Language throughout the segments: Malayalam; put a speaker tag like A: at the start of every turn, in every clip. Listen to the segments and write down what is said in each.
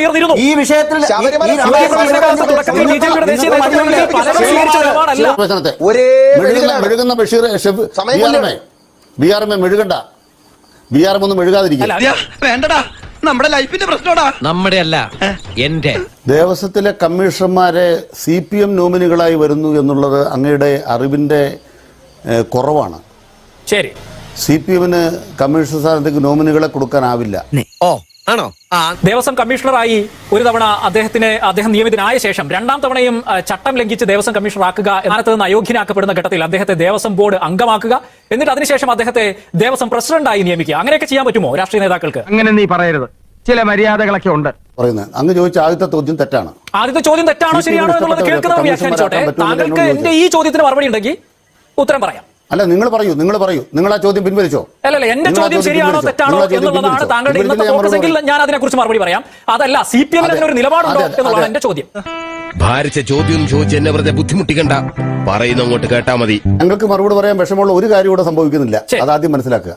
A: ഉയർന്നിരുന്നു.
B: ഈ വിഷയത്തിൽ
C: മെഴുകുന്ന ബഷീർ ബിആർഎം മെഴുകണ്ട, ബിആർഎം ഒന്നും മെഴുകാതിരിക്കും.
D: വേണ്ടടാ, നമ്മുടെ ലൈഫിന്റെ പ്രശ്നമാടാ. നമ്മുടെ അല്ല, എന്റെ.
C: ദേവസ്വത്തിലെ കമ്മീഷണർമാരെ CPM നോമിനികളായി വരുന്നു എന്നുള്ളത് അങ്ങയുടെ അറിവിന്റെ കുറവാണ്.
A: ശരി,
C: CPMന് കമ്മീഷണർ സ്ഥാനത്തേക്ക് നോമിനികളെ കൊടുക്കാനാവില്ല.
D: ആണോ?
A: ദേവസ്വം കമ്മീഷണറായി ഒരു തവണ അദ്ദേഹം നിയമിതനായ ശേഷം രണ്ടാം തവണയും ചട്ടം ലംഘിച്ച് ദേവസ്വം കമ്മീഷണറാക്കുക, സ്ഥാനത്ത് നിന്ന് അയോഗ്യനാക്കപ്പെടുന്ന ഘട്ടത്തിൽ അദ്ദേഹത്തെ ദേവസ്വം ബോർഡ് അംഗമാക്കുക, എന്നിട്ട് അതിനുശേഷം അദ്ദേഹത്തെ ദേവസ്വം പ്രസിഡന്റായി നിയമിക്കുക. അങ്ങനെയൊക്കെ ചെയ്യാൻ പറ്റുമോ രാഷ്ട്രീയ നേതാക്കൾക്ക്?
E: അങ്ങനെ നീ പറയരുത്, ചില മര്യാദകളൊക്കെ ഉണ്ട്
C: പറയുന്നത്. അങ്ങ് ചോദിച്ച ആദ്യത്തെ ചോദ്യം തെറ്റാണ്.
A: ആദ്യത്തെ ചോദ്യം തെറ്റാണോ ശരിയാണോ എന്നുള്ളത് കേൾക്കുന്നവർ വ്യാഖ്യാനിച്ചോട്ടെ. താങ്കൾക്ക് എന്റെ ഈ ചോദ്യത്തിന് മറുപടി ഉണ്ടെങ്കിൽ ഉത്തരം പറയാം.
C: അല്ല, നിങ്ങൾ പറയൂ. നിങ്ങൾ ആ ചോദ്യം പിൻവലിച്ചോ?
A: അല്ലല്ല, എന്റെ ചോദ്യം ശരിയാണോ തെറ്റാണോ എന്നുള്ളതാണ് താങ്കളുടെ ഇന്നത്തെ ഫോക്കസ് എങ്കിൽ ഞാൻ അതിനെക്കുറിച്ച് മറുപടി പറയാം. അതല്ല, CPM ഒരു നിലപാടുണ്ടോ എന്നുള്ളതാണ് എന്റെ ചോദ്യം.
F: ഭാരിച്ച ചോദ്യം ചോദിച്ച് എന്നെ വെറുതെ ബുദ്ധിമുട്ടിക്കണ്ട, പറയുന്ന അങ്ങോട്ട് കേട്ടാ മതി.
C: ഞങ്ങൾക്ക് മറുപടി പറയാൻ വിഷമമുള്ള ഒരു കാര്യം ഇവിടെ സംഭവിക്കുന്നില്ല, അതാദ്യം മനസ്സിലാക്കുക.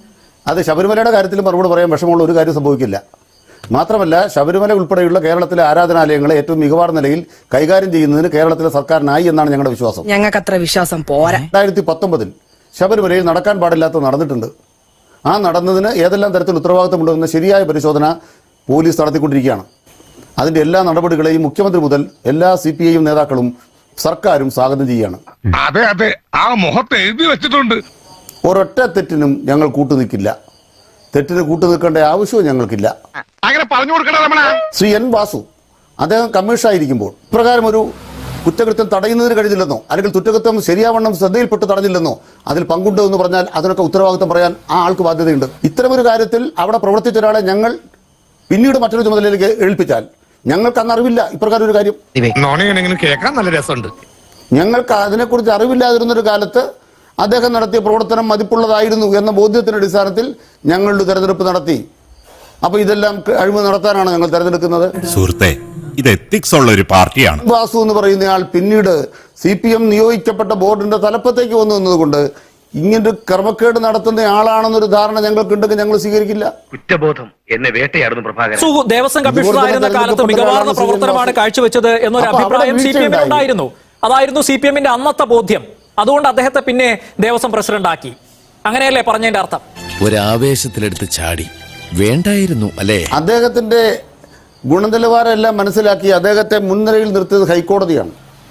C: അത് ശബരിമലയുടെ കാര്യത്തിൽ മറുപടി പറയാൻ വിഷമമുള്ള ഒരു കാര്യം സംഭവിക്കില്ല. മാത്രമല്ല, ശബരിമല ഉൾപ്പെടെയുള്ള കേരളത്തിലെ ആരാധനാലയങ്ങളെ ഏറ്റവും മികവാർന്ന നിലയിൽ കൈകാര്യം ചെയ്യുന്നതിന് കേരളത്തിലെ സർക്കാരിനായി എന്നാണ് ഞങ്ങളുടെ വിശ്വാസം.
G: ഞങ്ങൾക്ക് അത്ര വിശ്വാസം പോരാ.
C: 2019 ശബരിമലയിൽ നടക്കാൻ പാടില്ലാത്ത നടന്നിട്ടുണ്ട്. ആ നടന്നതിന് ഏതെല്ലാം തരത്തിൽ ഉത്തരവാദിത്തമുണ്ടെന്ന ശരിയായ പരിശോധന പോലീസ് നടത്തിക്കൊണ്ടിരിക്കുകയാണ്. അതിന്റെ എല്ലാ നടപടികളെയും മുഖ്യമന്ത്രി മുതൽ എല്ലാ CPIM നേതാക്കളും സർക്കാരും സ്വാഗതം ചെയ്യുകയാണ്.
H: അതെ അതെ, ആ മുഖത്ത് എഴുതി വെച്ചിട്ടുണ്ട്.
C: ഒരൊറ്റ തെറ്റിനും ഞങ്ങൾ കൂട്ടുനിൽക്കില്ല. തെറ്റിന് കൂട്ടുനിൽക്കേണ്ട ആവശ്യവും ഞങ്ങൾക്കില്ല.
H: അങ്ങനെ പറഞ്ഞു കൊടുക്കണ
C: ശ്രീ N. വാസു അദ്ദേഹം കമ്മീഷണറായിരിക്കുമ്പോൾ ഇപ്രകാരം ഒരു കുറ്റകൃത്യം തടയുന്നതിന് കഴിഞ്ഞില്ലെന്നോ, അല്ലെങ്കിൽ കുറ്റകൃത്യം ശരിയാവണ്ണം ശ്രദ്ധയിൽപ്പെട്ട് തടഞ്ഞില്ലെന്നോ, അതിൽ പങ്കുണ്ട് എന്ന് പറഞ്ഞാൽ അതിനൊക്കെ ഉത്തരവാദിത്വം പറയാൻ ആ ആൾക്ക് ബാധ്യതയുണ്ട്. ഇത്തരമൊരു കാര്യത്തിൽ അവിടെ പ്രവർത്തിച്ച ഒരാളെ ഞങ്ങൾ പിന്നീട് മറ്റൊരു ചുമതലയിലേക്ക് ഏൽപ്പിച്ചാൽ ഞങ്ങൾക്ക് അന്ന് അറിവില്ല ഇപ്രകാരം ഒരു കാര്യം.
H: കേൾക്കാൻ നല്ല രസമുണ്ട്.
C: ഞങ്ങൾക്ക് അതിനെക്കുറിച്ച് അറിവില്ലാതിരുന്നൊരു കാലത്ത് അദ്ദേഹം നടത്തിയ പ്രവർത്തനം മതിപ്പുള്ളതായിരുന്നു എന്ന ബോധ്യത്തിന്റെ അടിസ്ഥാനത്തിൽ ഞങ്ങളുടെ തെരഞ്ഞെടുപ്പ് നടത്തി. അപ്പൊ ഇതെല്ലാം അഴിമതി നടത്താനാണ് ഞങ്ങൾ തെരഞ്ഞെടുക്കുന്നത്.
I: സുഹൃത്തെ, ഇത് എത്തിക്സ് ഉള്ള ഒരു പാർട്ടിയാണ്.
C: വാസു എന്ന് പറയുന്നയാൾ പിന്നീട് CPM നിയോഗിക്കപ്പെട്ട ബോർഡിന്റെ തലപ്പത്തേക്ക് വന്നു എന്നതുകൊണ്ട് ഇങ്ങനൊരു ക്രമക്കേട് നടത്തുന്ന ആളാണെന്നൊരു ധാരണ ഞങ്ങൾക്കുണ്ടെങ്കിൽ ഞങ്ങൾ സ്വീകരിക്കില്ല.
E: കുറ്റബോധം എന്നെ വേട്ടയാടുന്നു പ്രഭാകരൻ.
A: ദേവസ്വം കമ്മീഷണറായിരുന്ന കാലത്ത് മികവാർന്ന പ്രവർത്തനമാണ് കാഴ്ചവെച്ചത് എന്നൊരു അഭിപ്രായം CPM ഉണ്ടായിരുന്നു. അതായിരുന്നു CPMന്റെ അന്നത്തെ ബോധ്യം. അതുകൊണ്ട് അദ്ദേഹത്തെ പിന്നെ ദേവസ്വം പ്രസിഡന്റ് ആക്കി. അങ്ങനെയല്ലേ പറഞ്ഞതിന്റെ അർത്ഥം?
F: ഒരാവേശത്തിലെടുത്ത് ചാടി വേണ്ടായിരുന്നു അല്ലേ?
C: അദ്ദേഹത്തിന്റെ ഗുണനിലവാരം എല്ലാം മനസ്സിലാക്കി അദ്ദേഹത്തെ മുൻനിരയിൽ നിർത്തിയത് ഹൈക്കോടതിയാണ്.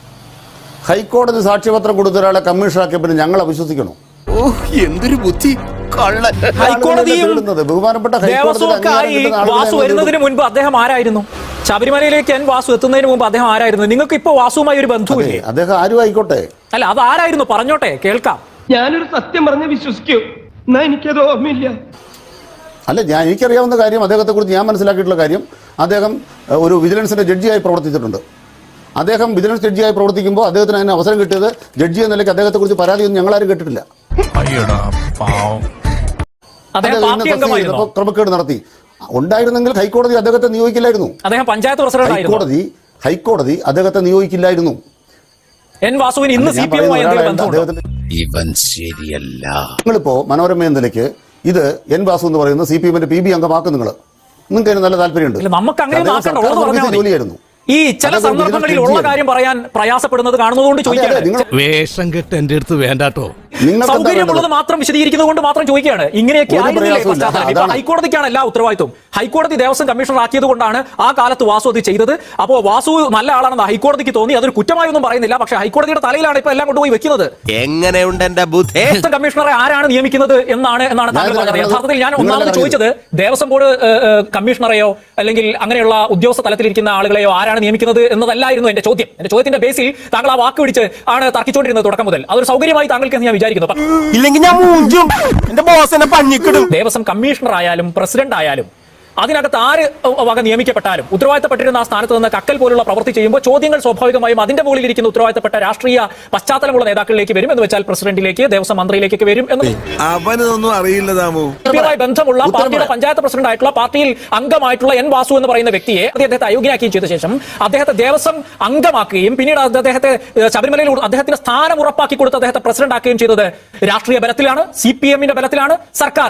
C: ഹൈക്കോടതി സാക്ഷ്യപത്രം കൊടുത്ത ഒരാളെ കമ്മീഷണറാക്കിയപ്പോൾ ഞങ്ങൾ അവിശ്വസിക്കണോ?
F: എന്തൊരു ബുദ്ധി!
C: ബഹുമാനപ്പെട്ട
A: വാസു വരുന്നതിന് മുൻപ് അദ്ദേഹം ആരായിരുന്നു? ശബരിമലയിലേക്ക് N. വാസു എത്തുന്നതിന് മുമ്പ് അദ്ദേഹം ആരായിരുന്നു? നിങ്ങൾക്ക് ഇപ്പൊ വാസുവുമായി ഒരു ബന്ധുവില്ലേ?
C: അദ്ദേഹം ആരും ആയിക്കോട്ടെ.
A: അല്ല, അത് ആരായിരുന്നു പറഞ്ഞോട്ടെ, കേൾക്കാം.
E: ഞാനൊരു സത്യം പറഞ്ഞ് വിശ്വസിക്കൂ, എന്നാ എനിക്കത് ഓർമ്മയില്ല.
C: അല്ല, എനിക്കറിയാവുന്ന കാര്യം, അദ്ദേഹത്തെ കുറിച്ച് ഞാൻ മനസ്സിലാക്കിയിട്ടുള്ള കാര്യം, അദ്ദേഹം ഒരു വിജിലൻസിന്റെ ജഡ്ജിയായി പ്രവർത്തിച്ചിട്ടുണ്ട്. അദ്ദേഹം വിജിലൻസ് ജഡ്ജിയായി പ്രവർത്തിക്കുമ്പോൾ അദ്ദേഹത്തിന് അതിന് അവസരം കിട്ടിയത് ജഡ്ജി എന്ന നിലയ്ക്ക് അദ്ദേഹത്തെ കുറിച്ച് പരാതിയൊന്നും ഞങ്ങളാരും കേട്ടിട്ടില്ല. ക്രമക്കേട് നടത്തി ഉണ്ടായിരുന്നെങ്കിൽ ഹൈക്കോടതി അദ്ദേഹത്തെ നിയോഗിക്കില്ലായിരുന്നു.
A: അദ്ദേഹം പഞ്ചായത്ത് പ്രസിഡന്റ്.
C: ഹൈക്കോടതി അദ്ദേഹത്തെ നിയോഗിക്കില്ലായിരുന്നു.
A: N. വാസുവിന് ഇന്ന്
F: ഇവൻ ശരിയല്ല.
C: നിങ്ങളിപ്പോ മനോരമ എന്ന നിലയ്ക്ക് ഇത് N. വാസു എന്ന് പറയുന്ന CPMന്റെ PB അംഗമാക്കും. നിങ്ങൾക്ക് അതിന് നല്ല താല്പര്യമുണ്ട്.
A: നമുക്ക് അങ്ങനെ
C: ജോലിയായിരുന്നു.
A: ഈ ചില സന്ദർഭങ്ങളിൽ ഉള്ള കാര്യം പറയാൻ പ്രയാസപ്പെടുന്നത് കാണുന്നതുകൊണ്ട് ചോദിക്കുകയാണ്.
F: വേഷം കെട്ട് എന്റെ അടുത്ത് വേണ്ടാട്ടോ.
A: സൗകര്യമുള്ളത് മാത്രം വിശദീകരിക്കുന്നത് കൊണ്ട് മാത്രം ചോദിക്കുകയാണ്. ഇങ്ങനെയൊക്കെ ഹൈക്കോടതിക്കാണ് എല്ലാ ഉത്തരവാദിത്വം. ഹൈക്കോടതി ദേവസ്വം കമ്മീഷണർ ആക്കിയത് കൊണ്ടാണ് ആ കാലത്ത് വാസു അത് ചെയ്തത്. അപ്പോൾ വാസു നല്ല ആളാണെന്ന് ഹൈക്കോടതിക്ക് തോന്നി. അതൊരു കുറ്റമായൊന്നും പറയുന്നില്ല. പക്ഷേ ഹൈക്കോടതിയുടെ തലയിലാണ് ഇപ്പൊ എല്ലാം കൊണ്ടുപോയി വെക്കുന്നത്.
F: എങ്ങനെയുണ്ട് എന്റെ ബുദ്ധി?
A: കമ്മീഷണറെ ആരാണ് നിയമിക്കുന്നത് എന്നാണ് താങ്കൾ പറഞ്ഞത്. യഥാർത്ഥത്തിൽ ഞാൻ ഒന്നാമത് ചോദിച്ചത് ദേവസ്വം ബോർഡ് കമ്മീഷണറെയോ അല്ലെങ്കിൽ അങ്ങനെയുള്ള ഉദ്യോഗസ്ഥ തലത്തിലിരിക്കുന്ന ആളുകളെയോ ആരാണ് നിയമിക്കുന്നത് എന്നതല്ലായിരുന്നു എന്റെ ചോദ്യം. എന്റെ ചോദ്യത്തിന്റെ ബേസിൽ താങ്കൾ ആ വാക്ക് പിടിച്ച് ആണ് തർക്കിച്ചുകൊണ്ടിരുന്നത് തുടക്കം മുതൽ. അതൊരു സൗകര്യമായി താങ്കൾക്ക് ഞാൻ വിചാരിക്കുന്നു. ദേവസ്വം കമ്മീഷണർ ആയാലും പ്രസിഡന്റ് ആയാലും അതിനകത്ത് ആര് വക നിയമിക്കപ്പെട്ടാലും ഉത്തരവാദിത്തപ്പെട്ടിരുന്ന ആ സ്ഥാനത്ത് നിന്ന് കക്കൽ പോലുള്ള പ്രവൃത്തി ചെയ്യുമ്പോൾ ചോദ്യങ്ങൾ സ്വാഭാവികമായും അതിന്റെ മുകളിലിരിക്കുന്ന ഉത്തരവാദിത്തപ്പെട്ട രാഷ്ട്രീയ പശ്ചാത്തലമുള്ള നേതാക്കളിലേക്ക് വരും. എന്ന് വെച്ചാൽ പ്രസിഡന്റിലേക്ക്, ദേവസ്വം മന്ത്രിയിലേക്ക് വരും.
F: അവനൊന്നും അറിയില്ലതായി
A: ബന്ധമുള്ള പാർട്ടിയുടെ പഞ്ചായത്ത് പ്രസിഡന്റ് ആയിട്ടുള്ള പാർട്ടിയിൽ അംഗമായിട്ടുള്ള N. വാസു എന്ന് പറയുന്ന വ്യക്തിയെ അദ്ദേഹത്തെ അയോഗ്യനാക്കുകയും ചെയ്ത ശേഷം അദ്ദേഹത്തെ ദേവസ്വം അംഗമാക്കുകയും പിന്നീട് അദ്ദേഹത്തെ ശബരിമലയിൽ അദ്ദേഹത്തിന്റെ സ്ഥാനം ഉറപ്പാക്കി കൊടുത്ത് അദ്ദേഹത്തെ പ്രസിഡന്റ് ആക്കുകയും ചെയ്തത് രാഷ്ട്രീയ ബലത്തിലാണ്, CPMന്റെ ബലത്തിലാണ്, സർക്കാരാണ്.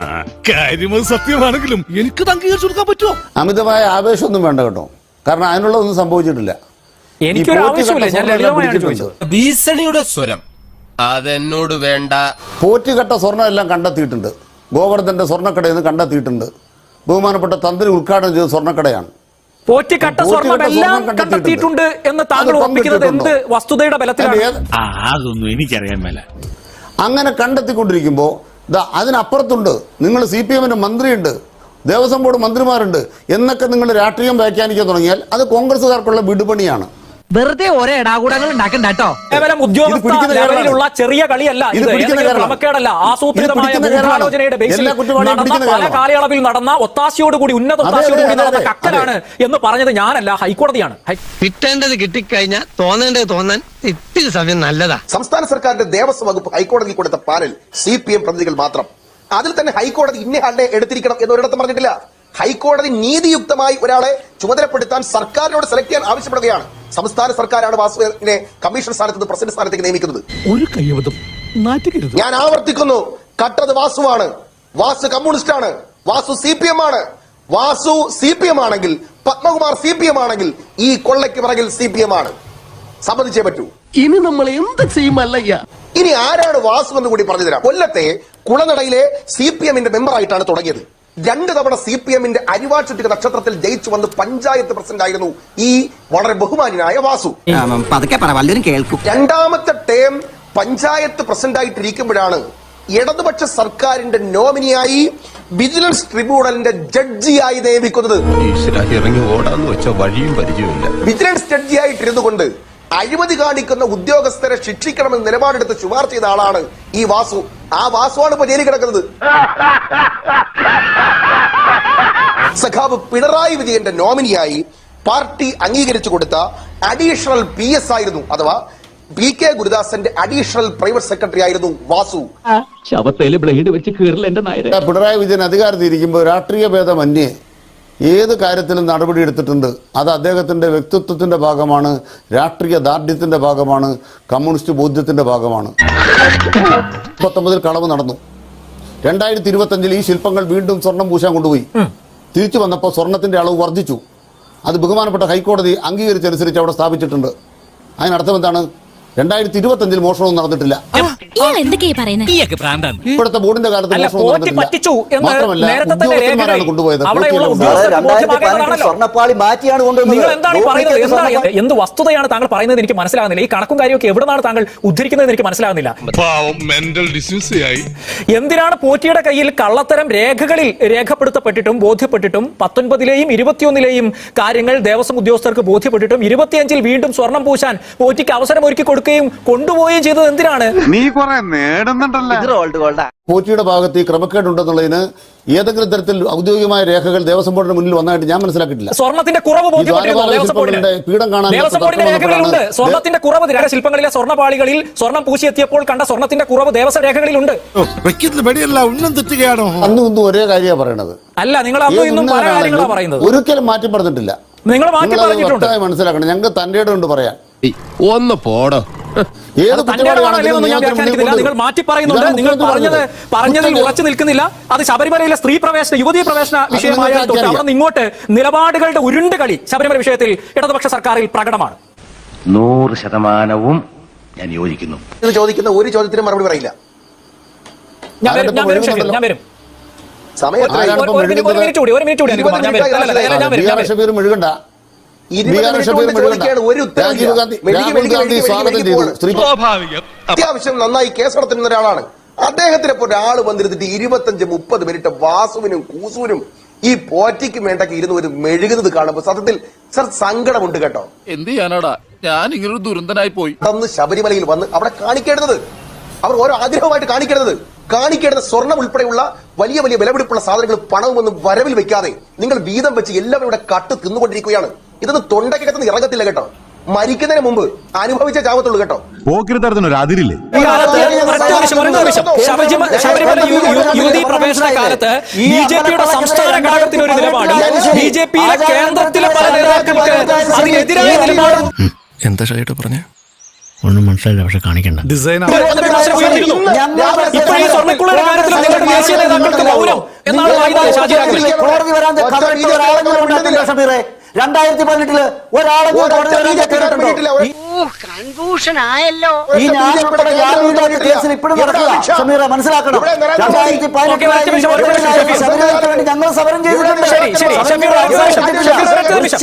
H: കാര്യം സത്യമാണെങ്കിലും എനിക്ക് അംഗീകരിച്ചു കൊടുക്കാൻ പറ്റുമോ?
C: അമിതമായ ആവേശമൊന്നും വേണ്ട കേട്ടോ, കാരണം അതിനുള്ളതൊന്നും സംഭവിച്ചിട്ടില്ല.
A: എനിക്കൊരു ആവശ്യമില്ല, ഞാൻ ലളിതമായാണ് ചോദിച്ചത്.
F: ഭീഷണിയുടെ സ്വരം അതെന്നോട് വേണ്ട.
C: പോറ്റുകെട്ട സ്വർണ്ണം എല്ലാം കണ്ടെത്തിയിട്ടുണ്ട്. ഗോവർദ്ധന്റെ സ്വർണ്ണക്കടയിൽ നിന്ന് കണ്ടെത്തിയിട്ടുണ്ട്. ബഹുമാനപ്പെട്ട തന്ത്രി ഉദ്ഘാടനം ചെയ്ത സ്വർണ്ണക്കടയാണ്.
A: പോറ്റിക്കട്ട സ്വർണ്ണമെല്ലാം കണ്ടെത്തിയിട്ടുണ്ട് എന്ന് താങ്കൾ ഉറപ്പിക്കുന്നത് എന്ത് വസ്തുതയുടെ ബലത്തിലാണ്?
I: അതൊന്നും എനിക്കറിയാൻ മേല.
C: അങ്ങനെ കണ്ടെത്തിക്കൊണ്ടിരിക്കുമ്പോൾ അതിനപ്പുറത്തുണ്ട്, നിങ്ങൾ CPM-ന്റെ മന്ത്രിയുണ്ട്, ദേവസ്വം ബോർഡ് മന്ത്രിമാരുണ്ട് എന്നൊക്കെ നിങ്ങൾ രാഷ്ട്രീയം വ്യാഖ്യാനിക്കാൻ തുടങ്ങിയാൽ അത് കോൺഗ്രസ്സുകാർക്കുള്ള വിടുപണിയാണ്.
D: വെറുതെ ഓരോ ഇടാകൂടങ്ങൾ ഉണ്ടാക്കണ്ട കേട്ടോ.
A: കേവലം ഉദ്യോഗസ്ഥ ലെവലിലുള്ള ചെറിയ കളിയല്ല ഇത്, ക്രമക്കേടല്ല, ആസൂത്രിതമായ ഗൂഢാലോചനയുടെ ബേസിൽ നടന്ന പല കാലയളവിൽ നടന്ന ഒത്താശയോടുകൂടി ഉന്നത ഒത്താശയോടുകൂടി നടന്ന കക്കലാണ് എന്ന് പറഞ്ഞത് ഞാനല്ല, ഹൈക്കോടതിയാണ്.
D: കിട്ടേണ്ടത് കിട്ടിക്കഴിഞ്ഞാൽ തോന്നേണ്ടത് തോന്നാൻ ഇത്തിരി സമയം നല്ലതാ.
B: സംസ്ഥാന സർക്കാരിന്റെ ദേവസ്വം വകുപ്പ് ഹൈക്കോടതിയിൽ കൊടുത്ത പാനൽ CPM പ്രതിനിധികൾ മാത്രം. അതിൽ തന്നെ ഹൈക്കോടതി ഇന്നയാളുടെ എടുത്തിരിക്കണം എന്നൊരിടത്തും പറഞ്ഞിട്ടില്ല. ഹൈക്കോടതി നീതിയുക്തമായി ഒരാളെ ചുമതലപ്പെടുത്താൻ സർക്കാരിനോട് സെലക്ട് ചെയ്യാൻ ആവശ്യപ്പെടുകയാണ്. സംസ്ഥാന സർക്കാരാണ് വാസുവിനെ കമ്മീഷൻ സ്ഥാനത്ത് നിന്ന് പ്രസിഡന്റ് സ്ഥാനത്തേക്ക് നിയമിക്കുന്നത്.
H: ഒരു കൈവതം നാറ്റുകരുത്.
B: ഞാൻ ആവർത്തിക്കുന്നു, കട്ടത് വാസുവാണ്. വാസു കമ്മ്യൂണിസ്റ്റ് ആണ്. വാസു CPM ആണ്. വാസു CPM ആണെങ്കിൽ, പത്മകുമാർ CPM ആണെങ്കിൽ, ഈ കൊള്ളയ്ക്ക് പിറകിൽ CPM ആണ്. സമ്മതിച്ചേ പറ്റൂ.
E: ഇനി നമ്മൾ എന്ത് ചെയ്യുമല്ലയ്യ?
B: ഇനി ആരാണ് വാസു എന്ന് കൂടി പറഞ്ഞു തരാം. കൊല്ലത്തെ കുളനടയിലെ CPM-ന്റെ മെമ്പറായിട്ടാണ് തുടങ്ങിയത്. 2 തവണ CPM-ന്റെ അരിവാഴ്ചുറ്റിക നക്ഷത്രത്തിൽ ജയിച്ചു വന്ന് പഞ്ചായത്ത് പ്രസിഡന്റ് ആയിരുന്നു ഈ വളരെ ബഹുമാന്യനായ വാസു. രണ്ടാമത്തെ ടേം പഞ്ചായത്ത് പ്രസിഡന്റ് ആയിട്ടിരിക്കുമ്പോഴാണ് ഇടതുപക്ഷ സർക്കാരിന്റെ നോമിനിയായി വിജിലൻസ് ട്രിബ്യൂണലിന്റെ ജഡ്ജിയായി നിയമിക്കുന്നത്.
F: ഇറങ്ങി ഓടാന്ന് വെച്ച വഴിയും പരിചയമില്ല.
B: വിജിലൻസ് ജഡ്ജിയായിട്ടിരുന്നു കൊണ്ട് അഴിമതി കാണിക്കുന്ന ഉദ്യോഗസ്ഥരെ ശിക്ഷിക്കണമെന്ന് നിലപാടെടുത്ത് ശുപാർശ ചെയ്ത ആളാണ് ഈ വാസു. ആ വാസുവാണ് ഇപ്പൊ ജയിലിൽ കിടക്കുന്നത്. സഖാവ് പിണറായി വിജയന്റെ നോമിനിയായി പാർട്ടി അംഗീകരിച്ചു കൊടുത്ത അഡീഷണൽ PS ആയിരുന്നു, അഥവാ PK ഗുരുദാസന്റെ അഡീഷണൽ പ്രൈവറ്റ് സെക്രട്ടറി ആയിരുന്നു വാസു.
E: ശവത്തേല് ബ്ലേഡ് വെച്ച് കീറില്ല എന്റെ നായരെ.
C: പിണറായി വിജയൻ അധികാരത്തിലിരിക്കുമ്പോൾ രാഷ്ട്രീയ ഭേദമന്യേ ഏത് കാര്യത്തിലും നടപടി എടുത്തിട്ടുണ്ട്. അത് അദ്ദേഹത്തിന്റെ വ്യക്തിത്വത്തിന്റെ ഭാഗമാണ്, രാഷ്ട്രീയ ദാർഢ്യത്തിന്റെ ഭാഗമാണ്, കമ്മ്യൂണിസ്റ്റ് ബോധ്യത്തിന്റെ ഭാഗമാണ്. 19 കളവ് നടന്നു. 2025 ഈ ശില്പങ്ങൾ വീണ്ടും സ്വർണം പൂശാൻ കൊണ്ടുപോയി. തിരിച്ചു വന്നപ്പോൾ സ്വർണത്തിന്റെ അളവ് വർദ്ധിച്ചു. അത് ബഹുമാനപ്പെട്ട ഹൈക്കോടതി അംഗീകരിച്ചനുസരിച്ച് അവിടെ സ്ഥാപിച്ചിട്ടുണ്ട്. അതിനർത്ഥം എന്താണ്? 2025 മോഷണവും നടന്നിട്ടില്ല. ഇപ്പോഴത്തെ ബോർഡിന്റെ കാലത്ത് മോഷണം നടന്നിട്ടില്ല. മാത്രമല്ല ഉദ്യോഗസ്ഥന്മാരാണ് കൊണ്ടുപോയത്.
A: എന്ത് വസ്തുതയാണ് താങ്കൾ പറയുന്നത് എനിക്ക് മനസ്സിലാകുന്നില്ല. ഈ കണക്കും കാര്യമൊക്കെ എവിടുന്നാണ് താങ്കൾ ഉദ്ധരിക്കുന്നത് എനിക്ക് മനസ്സിലാകുന്നില്ല. എന്തിനാണ് പോറ്റിയുടെ കയ്യിൽ കള്ളത്തരം രേഖകളിൽ രേഖപ്പെടുത്തപ്പെട്ടിട്ടും ബോധ്യപ്പെട്ടിട്ടും 19-ലെയും 21-ലെയും കാര്യങ്ങൾ ദേവസ്വം ഉദ്യോഗസ്ഥർക്ക് ബോധ്യപ്പെട്ടിട്ടും 25-ൽ വീണ്ടും സ്വർണം പൂശാൻ പോറ്റിക്ക് അവസരം ഒരുക്കി കൊടുക്കുകയും കൊണ്ടുപോവുകയും ചെയ്തത് എന്തിനാണ്?
C: പോറ്റിയുടെ ഭാഗത്ത് ഈ ക്രമക്കേടുണ്ടെന്നുള്ളതിന് ഏതെങ്കിലും തരത്തിൽ ഔദ്യോഗികമായ രേഖകൾ ദേവസ്വം ബോർഡിന് മുന്നിൽ വന്നതായിട്ട് ഞാൻ മനസ്സിലാക്കിയിട്ടില്ല.
A: സ്വർണത്തിന്റെ കുറവ്
C: പീഠം കാണാൻ
A: സ്വർണത്തിന്റെ കുറവ് ശില്പങ്ങളിലെ സ്വർണ്ണപാളികളിൽ സ്വർണം പൂശിയെത്തിയപ്പോൾ കണ്ട സ്വർണത്തിന്റെ കുറവ് ദേവസ്വം രേഖകളിലുണ്ട്.
C: അന്നും ഇന്നും ഒരേ കാര്യമാണ് പറയണത്.
A: അല്ല, നിങ്ങൾ അന്നും ഇന്നും പല കാര്യങ്ങളാണ് പറയുന്നത്.
C: ഒരിക്കലും മാറ്റി പറഞ്ഞിട്ടില്ല.
A: നിങ്ങൾ മാറ്റി പറഞ്ഞിട്ടുണ്ട്.
C: മനസ്സിലാക്കണം. ഞങ്ങൾക്ക് തന്റെ ഇടം കൊണ്ട് പറയാം.
F: ഒന്ന് പോടോ.
A: നിങ്ങൾ മാറ്റി പറയുന്നുണ്ട്. നിങ്ങൾ പറഞ്ഞതിൽ ഉറച്ചു നിൽക്കുന്നില്ല. അത് ശബരിമലയിലെ സ്ത്രീ പ്രവേശന, യുവതീ പ്രവേശന വിഷയമായ തൊട്ട് അവിടെ നിന്ന് ഇങ്ങോട്ട് നിലപാടുകളുടെ ഉരുണ്ട് കളി ശബരിമല വിഷയത്തിൽ ഇടതുപക്ഷ സർക്കാരിൽ പ്രകടമാണ്.
G: 100% ഞാൻ യോജിക്കുന്നു.
B: ഇത് ചോദിക്കുന്ന ഒരു ചോദ്യത്തിനും മറുപടി പറയില്ല.
A: ഞാൻ വരും.
B: അത്യാവശ്യം നന്നായി കേസെടുത്തിരുന്ന ഒരാളാണ്. അദ്ദേഹത്തിനെ പോലെ ഒരാൾ വന്നിരുന്നിട്ട് 25-30 മിനിറ്റ് വാസുവിനും കൂസുവിനും ഈ പോറ്റിക്കും വേണ്ടൊക്കെ ഇരുന്ന് ഒരു മെഴുകുന്നത് കാണുമ്പോൾ സത്യത്തിൽ സങ്കടമുണ്ട് കേട്ടോ.
J: എന്ത് ചെയ്യാനാടാ, ഞാൻ ഇങ്ങനൊരു ദുരന്തനായി പോയി.
B: അന്ന് ശബരിമലയിൽ വന്ന് അവിടെ കാണിക്കേണ്ടത്, അവർ ഓരോ ആഗ്രഹമായിട്ട് കാണിക്കേണ്ടത് സ്വർണം ഉൾപ്പെടെയുള്ള വലിയ വലിയ വിലപിടിപ്പുള്ള സാധനങ്ങൾ പണവുമൊന്നും വരവിൽ വെക്കാതെ നിങ്ങൾ വീതം വെച്ച് എല്ലാവരും ഇവിടെ കട്ട് തിന്നുകൊണ്ടിരിക്കുകയാണ്. ഇതൊന്നും തൊണ്ടക്കകത്തുനിന്ന് ഇറങ്ങത്തില്ല കേട്ടോ. മരിക്കുന്നതിന് മുമ്പ് അനുഭവിച്ച ചാവത്തുള്ളൂ കേട്ടോ.
I: പോക്കിരിത്തരത്തിനൊരു അതിരില്ലേ?
A: ശബരിമല യുവതീ പ്രവേശന കാലത്ത് BJPയുടെ സംസ്ഥാന ഘടകത്തിന് ഒരു നിലപാട്, BJPയിലെ കേന്ദ്രത്തിലെ പല നേതാക്കൾക്ക് അതിനെതിരായ നിലപാട്.
J: എന്താ ഷൈട്ട് പറഞ്ഞ
H: ഒന്നും മനസ്സിലായില്ല പക്ഷെ കാണിക്കണ്ട ഡിസൈൻ
A: ഇപ്പോൾ ഈ സ്വർണ്ണക്കുള്ളയുടെ കാര്യത്തിൽ നിങ്ങളുടെ ദേശീയ നേതാക്കൾക്ക് മൗനം എന്നാണ് വായിതാവ് ഷാജി രാഘവൻ.
K: കോടതി വരാൻ ഷമീറെ 2018 ഒരാളെങ്കിലും കോടതി വരാൻ കേട്ടിട്ടുണ്ടോ?
L: കൺഫ്യൂഷൻ ആയല്ലോ.
K: ഈ ഞാൻ ഉൾപ്പെടെ യാതൊരു കേസിൽ ഇപ്പോഴും നടക്കുക ഷമീറെ മനസ്സിലാക്കണം. 2018 ശബരിമലയ്ക്ക് വേണ്ടി ഞങ്ങൾ സമരം ചെയ്തിട്ടുണ്ട്.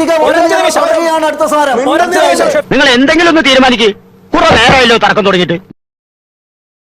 K: അടുത്ത സമരം.
G: നിങ്ങൾ എന്തെങ്കിലും ഒന്ന് തീരുമാനിക്ക്. കുറെ നേരമല്ലോ തർക്കം തുടങ്ങിയിട്ട്.